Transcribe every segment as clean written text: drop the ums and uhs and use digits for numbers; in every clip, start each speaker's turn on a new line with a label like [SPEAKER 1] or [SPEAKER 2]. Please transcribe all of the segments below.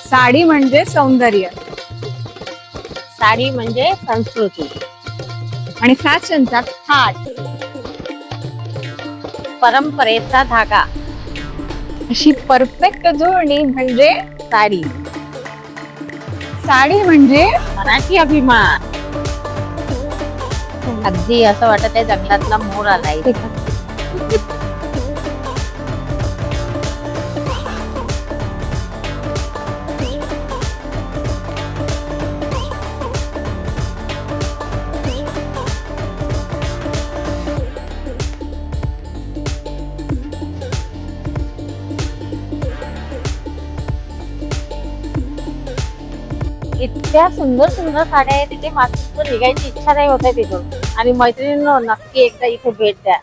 [SPEAKER 1] साडी म्हणजे सौंदर्य
[SPEAKER 2] साडी म्हणजे संस्कृती
[SPEAKER 1] आणि फॅशनचा थाट,
[SPEAKER 2] परंपरेचा धागा.
[SPEAKER 1] अशी परफेक्ट जोडणी म्हणजे
[SPEAKER 2] साडी
[SPEAKER 1] साडी म्हणजे
[SPEAKER 2] मराठी अभिमान. अगदी असं वाटत आहे जंगलातला मोर आलाय. इतक्या सुंदर सुंदर साड्या आहेत तिथे, मात्र निघायची इच्छा नाही होत आहे तिथून. आणि मैत्रिणींनो, नक्की एकदा इथे भेट द्या.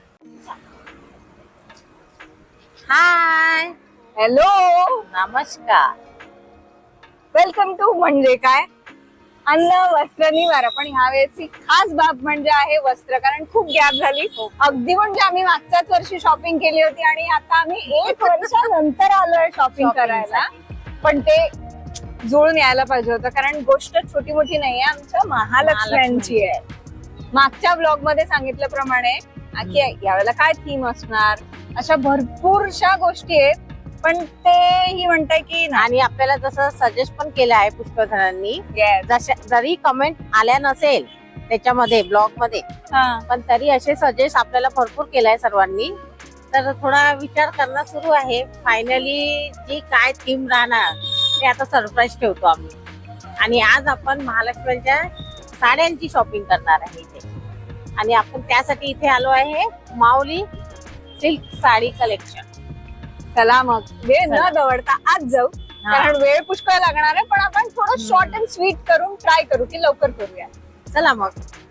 [SPEAKER 2] हाय,
[SPEAKER 1] हॅलो,
[SPEAKER 2] नमस्कार.
[SPEAKER 1] वेलकम टू म्हणजे काय, अन्न वस्त्र निवारा. पण ह्या वेळेची खास बाब म्हणजे आहे वस्त्र, कारण खूप गॅप झाली. अगदी म्हणजे आम्ही मागच्याच वर्षी शॉपिंग केली होती आणि आता आम्ही 1 वर्षानंतर आलोय शॉपिंग करायला. पण ते जुळून यायला पाहिजे होतं, कारण गोष्ट छोटी मोठी नाहीये, आमच्या महालक्ष्म्यांची आहे. मागच्या ब्लॉग मध्ये सांगितल्याप्रमाणे की यावेळेला काय थीम असणार, अशा भरपूरशा गोष्टी आहेत. पण ते ही म्हणताय की
[SPEAKER 2] आणि आपल्याला जसं सजेस्ट पण केलं आहे पुष्कळ जणांनी, जरी कमेंट आल्या नसेल त्याच्यामध्ये ब्लॉग मध्ये, पण तरी असे सजेस्ट आपल्याला भरपूर केलाय सर्वांनी. तर थोडा विचार करणं सुरू आहे. फायनली जी काय थीम राहणार ते आता सरप्राईज ठेवतो आम्ही. आणि आज आपण महालक्ष्मीच्या साड्यांची शॉपिंग करणार आहे इथे. आणि आपण त्यासाठी इथे आलो आहे माऊली सिल्क साडी कलेक्शन.
[SPEAKER 1] चला मग वेळ न दवडता आज जाऊ, कारण वेळ पुष्कळ लागणार आहे. पण आपण थोडं शॉर्ट अँड स्वीट करून ट्राय करू की लवकर करूया.
[SPEAKER 2] चला मग.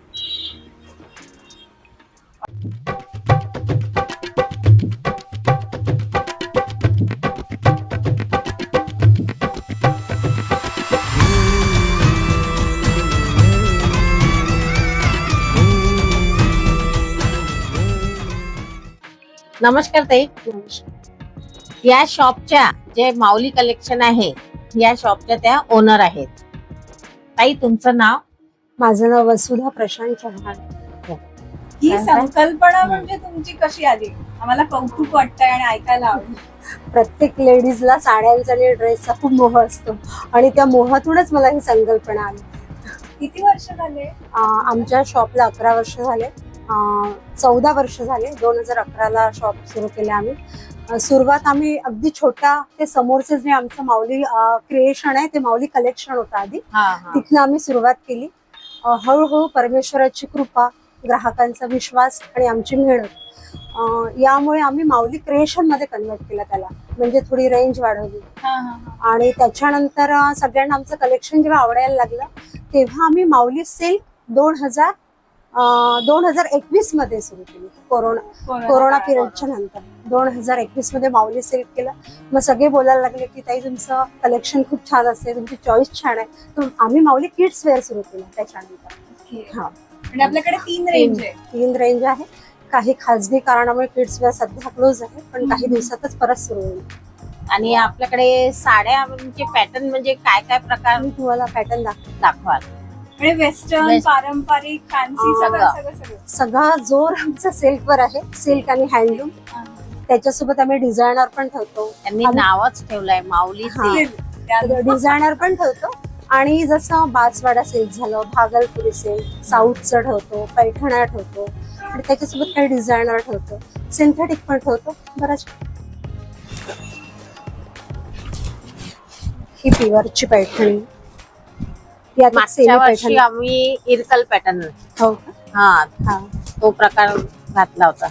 [SPEAKER 2] नमस्कार ताई. या शॉपच्या जे माऊली कलेक्शन आहे, या शॉपच्या त्या ओनर आहेत. ताई, तुमचं नाव?
[SPEAKER 3] माझं नाव वसुधा प्रशांत चव्हाण.
[SPEAKER 1] ही संकल्पना म्हणजे तुमची कशी आली? आम्हाला कौतुक वाटतंय आणि ऐकायला आवडेल.
[SPEAKER 3] प्रत्येक लेडीजला साड्यांचा आणि ड्रेसचा खूप मोह असतो आणि त्या मोहातूनच मला ही संकल्पना आली.
[SPEAKER 1] किती वर्ष झाले?
[SPEAKER 3] आमच्या शॉपला 11 वर्ष झाले. 14 वर्ष झाले. 2011ला शॉप सुरू केले आम्ही. सुरुवात आम्ही अगदी छोट्या, ते समोरचं जे आमचं माऊली क्रिएशन आहे ते माऊली कलेक्शन होतं आधी, तिथनं आम्ही सुरुवात केली. हळूहळू परमेश्वराची कृपा, ग्राहकांचा विश्वास आणि आमची मेहनत यामुळे आम्ही माऊली क्रिएशन मध्ये कन्वर्ट केलं त्याला, म्हणजे थोडी रेंज वाढवली. आणि त्याच्यानंतर सगळ्यांना आमचं कलेक्शन जेव्हा आवडायला लागलं तेव्हा आम्ही माऊली सिल्क 2021 मध्ये सुरू केली. कोरोना पिरियडच्या नंतर 2021 मध्ये माऊली सिल्क केलं. मग सगळे बोलायला लागले की ताई तुमचं कलेक्शन खूप छान असते, तुमची चॉईस छान आहे. तर आम्ही माऊली किड्स वेअर सुरू केलं त्याच्यानंतर.
[SPEAKER 1] आणि आपल्याकडे 3 रेंज आहे.
[SPEAKER 3] 3 रेंज आहे. काही खाजगी कारणामुळे किड्स वेअर सध्या क्लोज आहे, पण काही दिवसातच परत सुरू होईल.
[SPEAKER 2] आणि आपल्याकडे साड्या म्हणजे पॅटर्न म्हणजे काय काय प्रकार
[SPEAKER 3] मी तुम्हाला पॅटर्न
[SPEAKER 2] दाखवाल?
[SPEAKER 1] म्हणजे वेस्टर्न, पारंपरिक, फॅन्सी,
[SPEAKER 3] सगळा जोर आमचा सिल्कवर आहे. सिल्क आणि हँडलूम. त्याच्यासोबत आम्ही डिझायनर पण ठेवतो.
[SPEAKER 2] त्यांनी नावच ठेवलंय माऊली सिल्क.
[SPEAKER 3] डिझायनर पण ठेवतो. आणि जसं बासवाडा सिल्क झालं, भागलपुरी सिल्क, साऊथचं ठेवतो, पैठण्या ठेवतो. आणि त्याच्यासोबत काही डिझायनर ठेवतो, सिंथेटिक पण ठेवतो बराच. ही प्युअरची पैठणी.
[SPEAKER 2] मागच्या वर्षी आम्ही इरकल पॅटर्न,
[SPEAKER 3] हो
[SPEAKER 2] हा तो प्रकार घातला होता.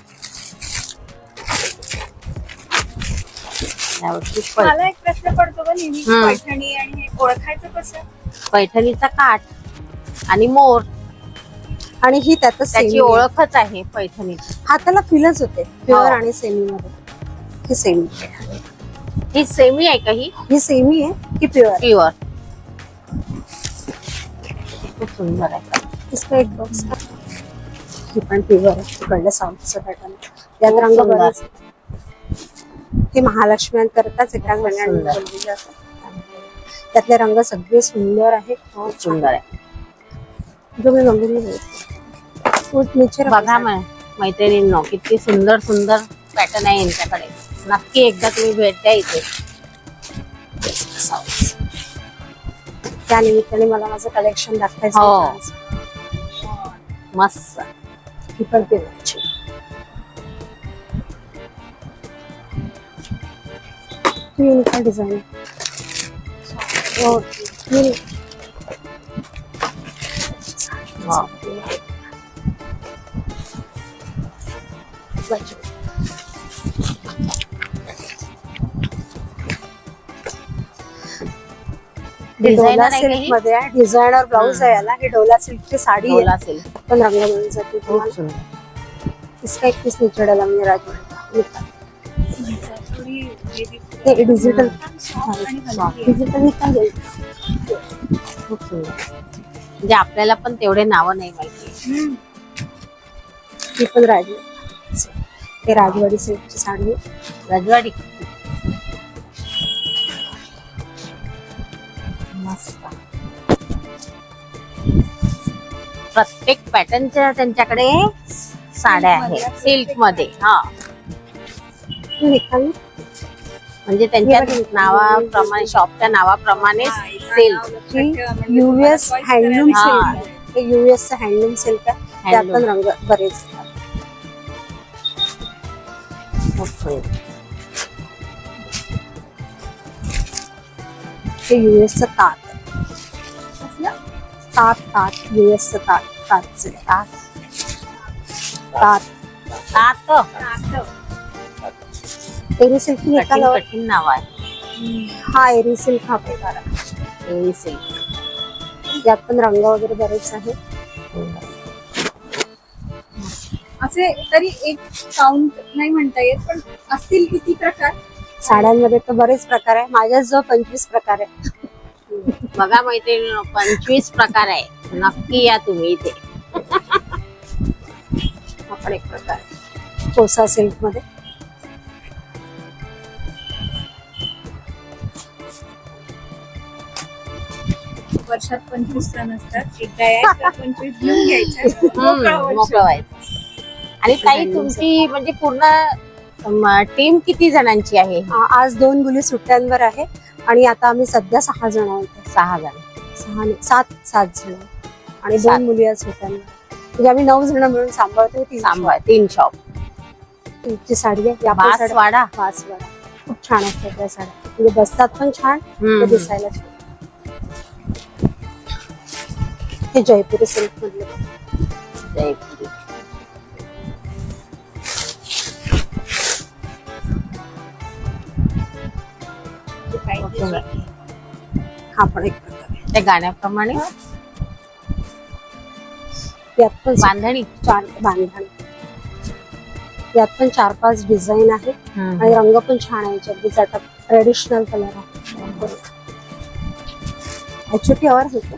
[SPEAKER 1] मला एक प्रश्न पडतो का नेहमी, पैठणी आणि हे ओळखायचं कसं?
[SPEAKER 2] पैठणीचा काठ आणि मोर,
[SPEAKER 3] आणि ही त्यातच
[SPEAKER 2] त्याची ओळखच आहे पैठणीची.
[SPEAKER 3] हाताला फीलच होते प्युअर आणि सेमी मध्ये. ही सेमी,
[SPEAKER 2] ही सेमी आहे का? ही
[SPEAKER 3] सेमी आहे की प्युअर?
[SPEAKER 2] प्युअर. खूप सुंदर आहे.
[SPEAKER 3] इसका एक बॉक्स. ही पण प्युअर आहे. तिकडलं साऊथचं पॅटर्न. यात रंग बरेच. हे महालक्ष्म्यांकरताच एका महिन्याने त्यातले रंग सगळे सुंदर आहेत.
[SPEAKER 2] खूप सुंदर आहे.
[SPEAKER 3] तुम्ही बघून नेचर
[SPEAKER 2] बघा मैत्रिणींनो, किती सुंदर सुंदर पॅटर्न आहे यांच्याकडे. नक्की एकदा तुम्ही भेट द्या इथे.
[SPEAKER 3] त्या निमित्ताने मला माझं कलेक्शन दाखवायचं
[SPEAKER 2] हो.
[SPEAKER 3] होतं आज.
[SPEAKER 2] मस्त.
[SPEAKER 3] ही पण पिवळाची. Unique design.
[SPEAKER 2] हो. डिझायनर आहे का ही?
[SPEAKER 3] मध्ये डिझायनर ब्लाऊज आहे याला. ही डोला सिल्कची साडी आहे.
[SPEAKER 2] डोला असेल.
[SPEAKER 3] पण रंग मिळून जाते
[SPEAKER 2] खूप
[SPEAKER 3] तुम्हाला.
[SPEAKER 2] सुंदर.
[SPEAKER 3] इसका एक पीस निचेडाला म्हणजे राजवाडा डिजिटल डिजिटल
[SPEAKER 2] खूप सुंदर. म्हणजे आपल्याला पण तेवढे नावं नाही माहिती.
[SPEAKER 3] ही पण राजवाडी. हे राजवाडी सिल्कची साडी आहे.
[SPEAKER 2] रजवाडी. मस्त. प्रत्येक पॅटर्नच्या त्यांच्याकडे साड्या आहेत सिल्क मध्ये. हा,
[SPEAKER 3] ही निकाली.
[SPEAKER 2] म्हणजे त्यांच्या नावाप्रमाणे, शॉपच्या नावाप्रमाणे सिल्क.
[SPEAKER 3] युएस हँडलूम
[SPEAKER 2] हा.
[SPEAKER 3] सिल्क. हे युएस हँडलूम सिल्क आहे. त्यात पण रंग बरेच आहेत.
[SPEAKER 2] खूप सुंदर.
[SPEAKER 3] हे युएसचं ताट आहे. ताट युएसचं ताटचं ताट. एरी सिल्क निकाला.
[SPEAKER 2] कठीण नाव आहे.
[SPEAKER 3] हा एरी सिल्क हा प्रकार आहे.
[SPEAKER 2] एरी सिल्क.
[SPEAKER 3] यात पण रंग वगैरे बरेच आहेत.
[SPEAKER 1] असे तरी एक काउंट नाही म्हणता येत, पण असतील किती प्रकार?
[SPEAKER 3] साड्यांमध्ये तर बरेच प्रकार आहे. माझ्याच जवळ 25 प्रकार आहे.
[SPEAKER 2] बघा मैत्रिणींनो, 25 प्रकार आहे. नक्की या तुम्ही इथे.
[SPEAKER 3] हा पण एक प्रकार आहे कोसा सिल्क मध्ये.
[SPEAKER 1] वर्षात 25 सण असतात. एकदा यायचं, 25 घेऊन घ्यायचं, मोकळं वर्ष.
[SPEAKER 2] मोकळं व्हायचं. आणि ताई, तुमची म्हणजे पूर्ण टीम किती जणांची आहे?
[SPEAKER 3] आज 2 मुली सुट्ट्यांवर आहे आणि आता आम्ही सध्या 6 जण आहोत.
[SPEAKER 2] 6 जण.
[SPEAKER 3] 7 जण आणि
[SPEAKER 2] 7.
[SPEAKER 3] 2 मुली आज सुट्ट्यांवर. म्हणजे आम्ही 9 जण मिळून सांभाळतो.
[SPEAKER 2] 3 शॉप.
[SPEAKER 3] ची साडी आहे. या पण साड्या-
[SPEAKER 2] बासवाडा.
[SPEAKER 3] बासवाडा खूप छान असतात त्या साड्या. म्हणजे बसतात पण छान, ते दिसायला छान. हे जयपुरी सिल्क मधले.
[SPEAKER 2] जयपुरी.
[SPEAKER 3] हा पण एक प्रकार आहे.
[SPEAKER 2] त्या गाण्याप्रमाणे
[SPEAKER 3] यात पण
[SPEAKER 2] बांधणी.
[SPEAKER 3] 4 बांधणी. यात पण 4-5 डिझाईन आहेत आणि रंग पण छान आहे. अगदीच आता ट्रेडिशनल कलर आहे. ऍक्च्युअली आवाज होतो.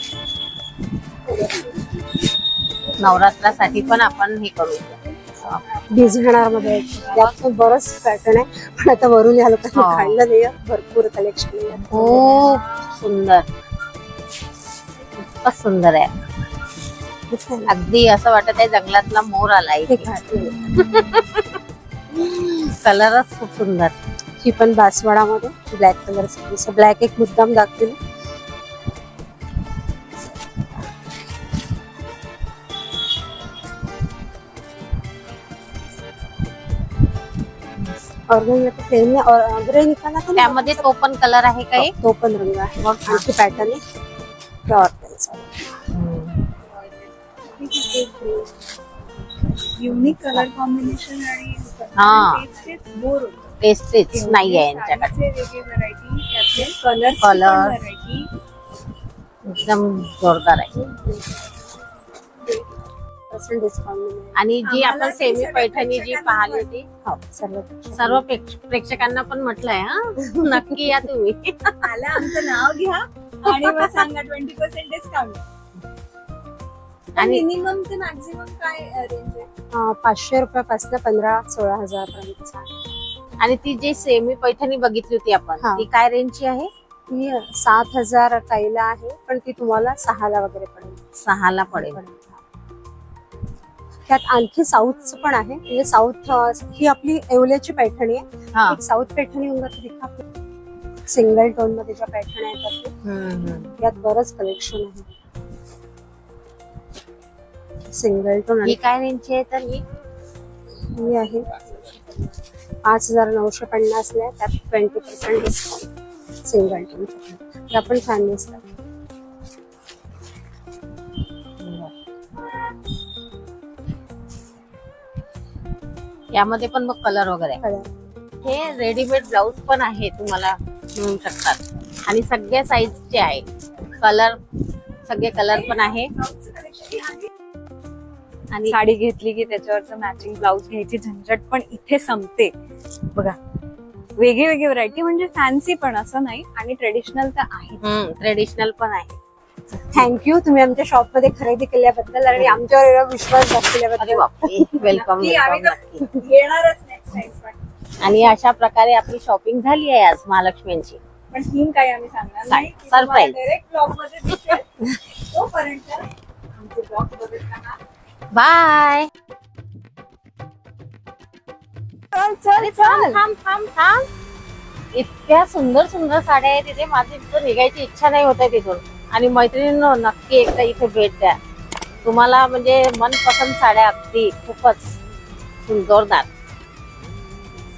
[SPEAKER 2] नवरात्रासाठी पण आपण हे करू.
[SPEAKER 3] डिझायनर मध्ये यात पण बरंच पॅटर्न आहे. पण आता वरून या लोकांनी
[SPEAKER 2] हा.
[SPEAKER 3] काढलं नाही. भरपूर कलेक्शन आहे.
[SPEAKER 2] खूप सुंदर. खूपच सुंदर आहे. अगदी असं वाटत आहे जंगलातला मोर आला
[SPEAKER 3] हे
[SPEAKER 2] इथे.
[SPEAKER 3] घातलेलं.
[SPEAKER 2] कलरच खूप सुंदर.
[SPEAKER 3] ही पण बासवाडा मध्ये ब्लॅक कलर. ब्लॅक एक मुद्दाम दाखवली. प्लेन और ग्रे निकाला था ना,
[SPEAKER 2] त्यामध्ये तो पण कलर आहे का एक?
[SPEAKER 3] तो पण रंग आहे. मग आणखी पॅटर्न आहे. Flower pencil.
[SPEAKER 1] Unique colour combination आणि
[SPEAKER 2] हा.
[SPEAKER 1] तेच बोर होतं.
[SPEAKER 2] तेच नाही आहे यांच्याकडे.
[SPEAKER 1] वेगवेगळे व्हरायटी, त्यातले कलर
[SPEAKER 2] Color.
[SPEAKER 1] व्हरायटी.
[SPEAKER 2] एकदम जोरदार आहे.
[SPEAKER 3] डिस्काउंट.
[SPEAKER 2] आणि जी
[SPEAKER 1] आम्हाला
[SPEAKER 2] आपण
[SPEAKER 1] ती
[SPEAKER 2] सेमी
[SPEAKER 1] सगळ्या
[SPEAKER 2] पैठणी जी
[SPEAKER 1] प्रेक्षकांना
[SPEAKER 2] पाहिली होती,
[SPEAKER 3] हो सर्व
[SPEAKER 2] सर्व प्रेक्षकांना पण म्हटलंय हा, नक्की या तुम्ही.
[SPEAKER 1] आला आमचं नाव घ्या आणि मग सांगा 20% डिस्काउंट.
[SPEAKER 2] आणि
[SPEAKER 1] मिनिमम ते मॅक्झिमम काय रेंज आहे?
[SPEAKER 3] 500 रुपयापासून 15-16 हजार पर्यंत.
[SPEAKER 2] आणि ती जी सेमी पैठणी बघितली होती आपण,
[SPEAKER 3] हा.
[SPEAKER 2] ती काय रेंजची आहे?
[SPEAKER 3] ही 7,000 ताईला आहे, पण ती तुम्हाला 6ला वगैरे पडेल.
[SPEAKER 2] 6ला पडेल.
[SPEAKER 3] त्यात आणखी साऊथचं पण आहे, म्हणजे साऊथ ही आपली येवल्याची पैठणी आहे.
[SPEAKER 2] हा.
[SPEAKER 3] एक साऊथ पैठणी होऊन जाते, सिंगल टोन मध्ये ज्या पैठण्या येतात ते. यात बरंच कलेक्शन आहे. सिंगल टोन
[SPEAKER 2] ही काय रेंजची आहे तर ही
[SPEAKER 3] ही आहे 5,950 ला, त्यात 20% डिस्काउंट. सिंगल टोन त्या पण छान दिसतात.
[SPEAKER 2] यामध्ये पण मग कलर वगैरे
[SPEAKER 3] कलर
[SPEAKER 2] हे रेडीमेड ब्लाऊज पण आहे, तुम्हाला मिळू शकतात आणि सगळ्या साईजचे आहे. कलर सगळे कलर पण आहे.
[SPEAKER 1] आणि साडी घेतली की त्याच्यावरचं मॅचिंग ब्लाऊज घ्यायची झंझट पण इथे संपते. बघा वेगळी वेगळी व्हरायटी, म्हणजे फॅन्सी पण असं नाही आणि ट्रेडिशनल तर आहे.
[SPEAKER 2] ट्रेडिशनल पण आहे.
[SPEAKER 3] थँक्यू तुम्ही आमच्या शॉप मध्ये खरेदी केल्याबद्दल आणि आमच्यावर एवढा विश्वास
[SPEAKER 2] अरे
[SPEAKER 3] दाखवल्याबद्दल.
[SPEAKER 2] बापरे, वेलकम
[SPEAKER 1] येणारच नेक्स्ट टाइम पण.
[SPEAKER 2] आणि अशा प्रकारे आपली शॉपिंग झाली आहे आज महालक्ष्मींची.
[SPEAKER 1] पण थीम काय आम्ही सांगणार नाही.
[SPEAKER 2] Surprise.
[SPEAKER 1] डायरेक्ट ब्लॉग मध्ये दिसेल. तोपर्यंत आमचे ब्लॉग बघत राहा.
[SPEAKER 2] बाय.
[SPEAKER 1] चल चल चल.
[SPEAKER 2] थांब थांब थांब. इतक्या सुंदर सुंदर साड्या आहेत तिथे, माझी तिथं निघायची इच्छा नाही होत आहे तिथून. आणि मैत्रिणींनो नक्की एकदा इथे भेट द्या. तुम्हाला म्हणजे मनपसंत साड्या अगदी खूपच जोरदार.